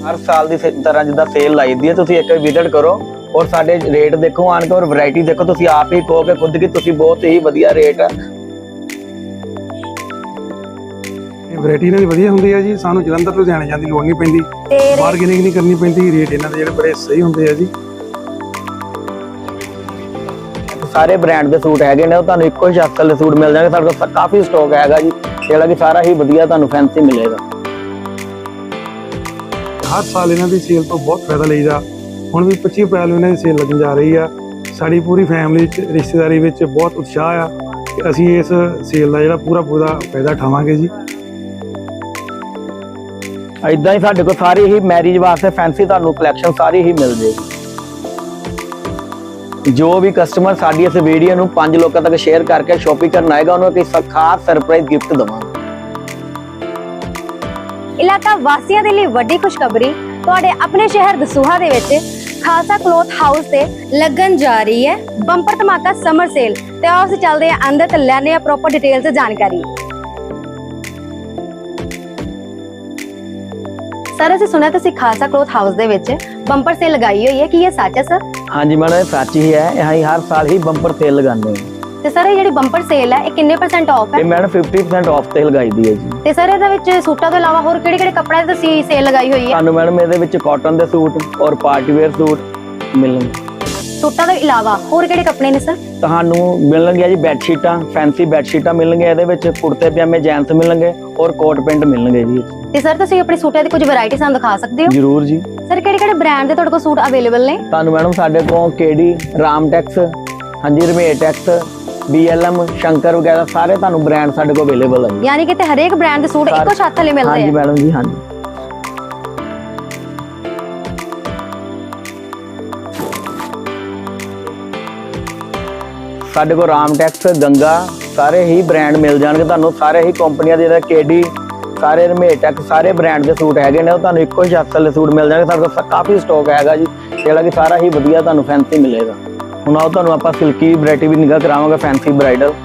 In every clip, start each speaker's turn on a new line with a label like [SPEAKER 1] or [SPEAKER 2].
[SPEAKER 1] हर साल की तरह जिदा सेल लाई दी है, तुसीं एक विजिट करो और साडे रेट देखो आन के और वैरायटी देखो। तुसीं आप ही कहोगे खुद कि तुसीं बहुत ही वधिया रेट है।
[SPEAKER 2] वैरायटी इन्हां दी वधिया हुंदी है जी। सानूं जलंधर लुधियाणे जाण दी लोड़ नहीं पैंदी, बारगेनिंग नहीं करनी पैंदी। रेट इन्हां दे जिहड़े बड़े सही हुंदे आ जी।
[SPEAKER 1] सारे ब्रांड के सूट हैगे ने, तुहानूं इक्को ही शक्ल दे सूट मिल जाणगे। साडे कोल काफ़ी स्टॉक हैगा जी, जिहड़ा कि सारा ही वधिया तुहानूं फैंसी मिलेगा।
[SPEAKER 2] हर साल इन्हां दी सेल तो बहुत फायदा लईदा। हुण भी 25 अप्रैल ਨੂੰ इन्हां दी सेल लगन जा रही आ। साडी पूरी फैमिली च रिश्तेदारी विच बहुत उत्साह आ कि ਅਸੀਂ ਇਸ सेल ਦਾ ਜਿਹੜਾ ਪੂਰਾ फायदा ਉਠਾਵਾਂਗੇ ਜੀ।
[SPEAKER 1] इदां ही साडे कोल सारी ही मैरिज वास्ते फैंसी तुहानूं कलैक्शन सारी ही मिल जाएगी। जो भी कस्टमर साडी इस वीडियो ਨੂੰ 5 ਲੋਕਾਂ ਤੱਕ शेयर करके शॉपिंग करना आएगा, उन्होंने एक खास सरप्राइज गिफ्ट देवांगे।
[SPEAKER 3] इलाका वासियों के लिए वड्डी खुशखबरी, तुहाडे अपने शहर दसूहा दे विच खालसा क्लॉथ हाउस से लगन जा रही है बंपर धमाका समर सेल। ते आओ असीं चलदे हां अंदर ते लैने आ प्रॉपर डिटेल से जानकारी। सर असीं सुनिया तुसीं खालसा क्लॉथ हाउस दे विच बंपर सेल लगाई हुई है, कि ये सच है सर?
[SPEAKER 1] हाँ जी मैडम, सच ही है। यहाँ हर साल ही बंपर सेल लगाने हैं।
[SPEAKER 3] ਤੇ ਸਰ ਇਹ ਜਿਹੜੀ ਬੰਪਰ ਸੇਲ ਹੈ ਇਹ ਕਿੰਨੇ % ਆਫ ਹੈ?
[SPEAKER 1] ਇਹ ਮੈਡਮ 50% ਆਫ ਤੇ ਲਗਾਈ ਦੀ ਹੈ ਜੀ।
[SPEAKER 3] ਤੇ ਸਰ ਇਹਦੇ ਵਿੱਚ ਸੂਟਾਂ ਤੋਂ ਇਲਾਵਾ ਹੋਰ ਕਿਹੜੇ-ਕਿਹੜੇ ਕੱਪੜਿਆਂ ਦੀ ਤੁਸੀਂ ਸੇਲ ਲਗਾਈ ਹੋਈ ਹੈ?
[SPEAKER 1] ਤੁਹਾਨੂੰ ਮੈਡਮ ਇਹਦੇ ਵਿੱਚ ਕਾਟਨ ਦੇ ਸੂਟ ਔਰ ਪਾਰਟੀ ਵੇਅਰ ਸੂਟ ਮਿਲਣਗੇ।
[SPEAKER 3] ਸੂਟਾਂ ਤੋਂ ਇਲਾਵਾ ਹੋਰ ਕਿਹੜੇ ਕੱਪੜੇ ਨੇ ਸਰ?
[SPEAKER 1] ਤੁਹਾਨੂੰ ਮਿਲਣਗੇ ਜੀ ਬੈੱਡ ਸ਼ੀਟਾਂ, ਫੈਂਸੀ ਬੈੱਡ ਸ਼ੀਟਾਂ ਮਿਲਣਗੇ। ਇਹਦੇ ਵਿੱਚ ਕੁੜਤੇ ਪਜਾਮੇ ਜੈਂਟਸ ਮਿਲਣਗੇ ਔਰ ਕੋਟ ਪੈਂਟ ਮਿਲਣਗੇ ਜੀ।
[SPEAKER 3] ਤੇ ਸਰ ਤੁਸੀਂ ਆਪਣੀ ਸੂਟਾਂ ਦੀ ਕੁਝ ਵੈਰਾਈਟੀ ਸਾਨੂੰ ਦਿਖਾ ਸਕਦੇ ਹੋ?
[SPEAKER 1] ਜ਼ਰੂਰ ਜੀ।
[SPEAKER 3] ਸਰ ਕਿਹੜੇ-ਕਿਹੜੇ ਬ੍ਰਾਂਡ ਦੇ ਤੁਹਾਡੇ ਕੋਲ ਸੂਟ ਅਵੇਲੇਬਲ ਨੇ?
[SPEAKER 1] ਤੁਹਾਨੂੰ ਮੈਡਮ ਸਾਡੇ ਕੋਲ ਕੇਡੀ, ਰਾਮਟੈਕਸ, ਹਾਂਜੀ ਰਮੇਟੈਕਸ, BLM, शंकर वगैरह सारे ਤੁਹਾਨੂੰ ब्रांड ਸਾਡੇ ਕੋਲ ਅਵੇਲੇਬਲ ਹੈ।
[SPEAKER 3] ਯਾਨੀ ਕਿ ਤੇ ਹਰੇਕ ਬ੍ਰਾਂਡ ਦੇ ਸੂਟ ਇੱਕੋ ਛੱਤ ਥੱਲੇ ਮਿਲਦੇ ਆ?
[SPEAKER 1] ਹਾਂਜੀ ਮੈਡਮ ਜੀ, ਹਾਂਜੀ। ਸਾਡੇ ਕੋਲ ਰਾਮਟੈਕਸ, ਗੰਗਾ ਸਾਰੇ ਹੀ ਬ੍ਰਾਂਡ ਮਿਲ ਜਾਣਗੇ ਤੁਹਾਨੂੰ। ਸਾਰੇ ਹੀ ਕੰਪਨੀਆਂ ਦੇ, ਕੇਡੀ, ਸਾਰੇ ਰਮੇਟੈਕਸ ਸਾਰੇ ਬ੍ਰਾਂਡ ਦੇ ਸੂਟ ਹੈਗੇ ਨੇ। ਉਹ ਤੁਹਾਨੂੰ ਇੱਕੋ ਹੀ ਛੱਤ ਥੱਲੇ ਸੂਟ ਮਿਲ ਜਾਣਗੇ। ਸਾਡੇ ਕੋਲ ਕਾਫੀ ਸਟਾਕ ਹੈਗਾ ਜੀ, ਜਿਹੜਾ ਕਿ ਸਾਰਾ ਹੀ ਵਧੀਆ ਤੁਹਾਨੂੰ ਫੈਂਸੀ ਮਿਲੇਗਾ। ਹੁਣ ਆਓ ਤੁਹਾਨੂੰ ਆਪਾਂ ਸਿਲਕੀ ਵੈਰਾਈਟੀ ਵੀ ਨਿਗਾਹ ਕਰਾਵਾਂਗੇ, ਫੈਂਸੀ ਬ੍ਰਾਈਡਲ।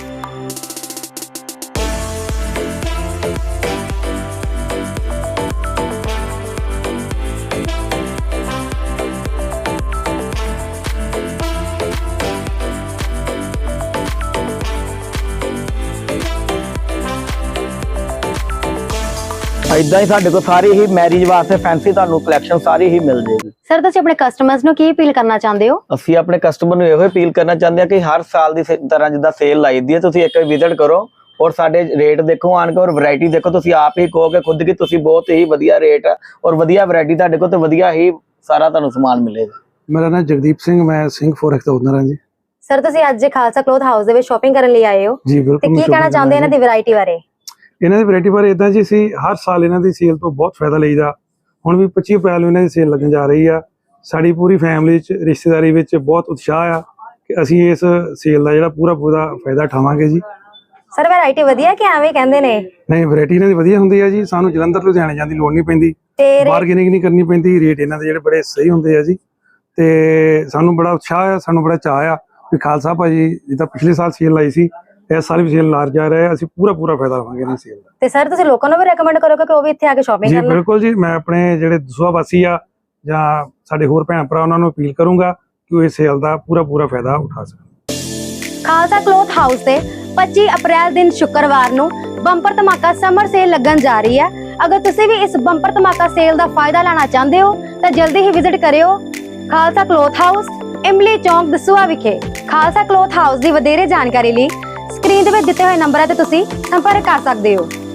[SPEAKER 1] ਇਦਾਂ ਹੀ ਸਾਡੇ ਕੋਲ ਸਾਰੀ ਹੀ ਮੈਰਿਜ ਵਾਸਤੇ ਫੈਂਸੀ ਤੁਹਾਨੂੰ ਕਲੈਕਸ਼ਨ ਸਾਰੀ ਹੀ ਮਿਲ ਜਾਏਗੀ।
[SPEAKER 3] ਸਰ ਤੁਸੀਂ ਆਪਣੇ ਕਸਟਮਰਸ ਨੂੰ ਕੀ ਅਪੀਲ ਕਰਨਾ ਚਾਹੁੰਦੇ ਹੋ?
[SPEAKER 1] ਅਸੀਂ ਆਪਣੇ ਕਸਟਮਰ ਨੂੰ ਇਹੋ ਅਪੀਲ ਕਰਨਾ ਚਾਹੁੰਦੇ ਹਾਂ ਕਿ ਹਰ ਸਾਲ ਦੀ ਤਰ੍ਹਾਂ ਜਿੱਦਾਂ ਸੇਲ ਲਾਈ ਦੀ ਹੈ, ਤੁਸੀਂ ਇੱਕ ਵਾਰ ਵਿਜ਼ਿਟ ਕਰੋ ਔਰ ਸਾਡੇ ਰੇਟ ਦੇਖੋ ਆਣ ਕੇ ਔਰ ਵੈਰਾਈਟੀ ਦੇਖੋ। ਤੁਸੀਂ ਆਪ ਹੀ ਕਹੋਗੇ ਖੁਦ ਕਿ ਤੁਸੀਂ ਬਹੁਤ ਹੀ ਵਧੀਆ ਰੇਟ ਔਰ ਵਧੀਆ ਵੈਰਾਈਟੀ ਤੁਹਾਡੇ ਕੋਲ ਤੇ ਵਧੀਆ ਹੀ ਸਾਰਾ ਤੁਹਾਨੂੰ ਸਮਾਨ ਮਿਲੇਗਾ।
[SPEAKER 2] ਮੇਰਾ ਨਾਮ ਜਗਦੀਪ ਸਿੰਘ, ਮੈਂ ਸਿੰਘ ਫੋਰੈਕਸ ਦਾ ਓਨਰ ਹਾਂ ਜੀ।
[SPEAKER 3] ਸਰ ਤੁਸੀਂ ਅੱਜ ਖਾਲਸਾ ਕਲੌਥ ਹਾਊਸ ਦੇ ਵਿੱਚ ਸ਼ਾਪਿੰਗ ਕਰਨ ਲਈ ਆਏ ਹੋ
[SPEAKER 2] ਜੀ? ਬਿਲਕੁਲ।
[SPEAKER 3] ਤੇ ਕੀ ਕਹਿਣਾ ਚਾਹੁੰਦੇ ਇਹਨਾਂ ਦੀ ਵੈਰਾਈਟੀ ਬਾਰੇ?
[SPEAKER 2] ਇਹਨਾਂ ਦੀ ਵੈਰਾਈਟੀ ਬਾਰੇ ਇਦਾਂ ਜੀ, ਅਸੀਂ ਹਰ ਸਾਲ ਇਹਨਾਂ ਦੀ ਸੇਲ ਤੋਂ ਬਹੁਤ ਫਾਇਦਾ ਲਈਦਾ। ਹੁਣ ਵੀ 25 ਅਪ੍ਰੈਲ ਨੂੰ ਇਹਨਾਂ ਦੀ ਸੇਲ ਲੱਗਣ ਜਾ ਰਹੀ ਆ। ਸਾਡੀ ਪੂਰੀ ਫੈਮਿਲੀ ਚ ਰਿਸ਼ਤੇਦਾਰੀ ਵਿੱਚ ਬਹੁਤ ਉਤਸ਼ਾਹ ਆ ਕਿ ਅਸੀਂ ਇਸ ਸੇਲ ਦਾ ਜਿਹੜਾ ਪੂਰਾ ਫਾਇਦਾ ਉਠਾਵਾਂਗੇ ਜੀ।
[SPEAKER 3] ਸਰ ਵੈਰਾਈਟੀ ਵਧੀਆ ਕਿ ਐਵੇਂ ਕਹਿੰਦੇ ਨੇ?
[SPEAKER 2] ਨਹੀਂ, ਵੈਰਾਈਟੀ ਇਹਨਾਂ ਦੀ ਵਧੀਆ ਹੁੰਦੀ ਆ ਜੀ। ਸਾਨੂੰ ਜਲੰਧਰ ਲੁਧਿਆਣੇ ਜਾਣ ਦੀ ਲੋੜ ਨਹੀਂ ਪੈਂਦੀ, ਬਾਰਗੇਨਿੰਗ ਨਹੀਂ ਕਰਨੀ ਪੈਂਦੀ। ਰੇਟ ਇਹਨਾਂ ਦੇ ਜਿਹੜੇ ਬੜੇ ਸਹੀ ਹੁੰਦੇ ਆ ਜੀ। ਤੇ ਸਾਨੂੰ ਬੜਾ ਉਤਸ਼ਾਹ ਆ, ਸਾਨੂੰ ਬੜਾ ਚਾਅ ਆ ਵੀ ਖਾਲਸਾ ਭਾਜੀ ਜਿੱਦਾਂ ਪਿਛਲੇ ਸਾਲ ਸੇਲ ਲਾਈ ਸੀ, ਇਸ ਸਾਲ ਵੀ ਸੇਲ ਲਾਰ ਜਾ ਰਿਹਾ। ਅਸੀਂ ਪੂਰਾ ਫਾਇਦਾ ਲਵਾਂਗੇ ਇਹਨਾਂ ਸੇਲ ਦਾ।
[SPEAKER 3] ਤੇ ਸਰ ਤੁਸੀਂ ਲੋਕਾਂ ਨੂੰ ਵੀ ਰეკਮੈਂਡ ਕਰੋਗੇ ਕਿ ਉਹ ਵੀ ਇੱਥੇ ਆ ਕੇ ਸ਼ਾਪਿੰਗ ਕਰਨ?
[SPEAKER 2] ਜੀ ਬਿਲਕੁਲ ਜੀ। ਮੈਂ ਆਪਣੇ ਜਿਹੜੇ ਦਸੂਹਾ ਵਾਸੀ ਆ ਜਾਂ ਸਾਡੇ ਹੋਰ ਭੈਣ ਭਰਾ ਉਹਨਾਂ ਨੂੰ ਅਪੀਲ ਕਰੂੰਗਾ ਕਿ ਉਹ ਇਸ ਸੇਲ ਦਾ ਪੂਰਾ ਫਾਇਦਾ ਉਠਾ ਸਕਣ।
[SPEAKER 3] ਖਾਲਸਾ ਕਲੌਥ ਹਾਊਸ ਤੇ 25 ਅਪ੍ਰੈਲ ਦਿਨ ਸ਼ੁੱਕਰਵਾਰ ਨੂੰ ਬੰਪਰ ਧਮਾਕਾ ਸਮਰ ਸੇਲ ਲੱਗਣ ਜਾ ਰਹੀ ਹੈ। ਅਗਰ ਤੁਸੀਂ ਵੀ ਇਸ ਬੰਪਰ ਧਮਾਕਾ ਸੇਲ ਦਾ ਫਾਇਦਾ ਲੈਣਾ ਚਾਹੁੰਦੇ ਹੋ ਤਾਂ ਜਲਦੀ ਹੀ ਵਿਜ਼ਿਟ ਕਰਿਓ ਖਾਲਸਾ ਕਲੌਥ ਹਾਊਸ, ਇਮਲੀ ਚੌਂਕ, ਦਸੂਹਾ ਵਿਖੇ। ਖਾਲਸਾ ਕਲੌਥ ਹਾਊਸ ਦੀ ਵਧੇਰੇ ਜਾਣਕਾਰੀ ਲਈ ਸਕਰੀਨ ਦੇ ਵਿੱਚ ਦਿੱਤੇ ਹੋਏ ਨੰਬਰਾਂ ਤੇ ਤੁਸੀਂ ਸੰਪਰਕ ਕਰ ਸਕਦੇ ਹੋ।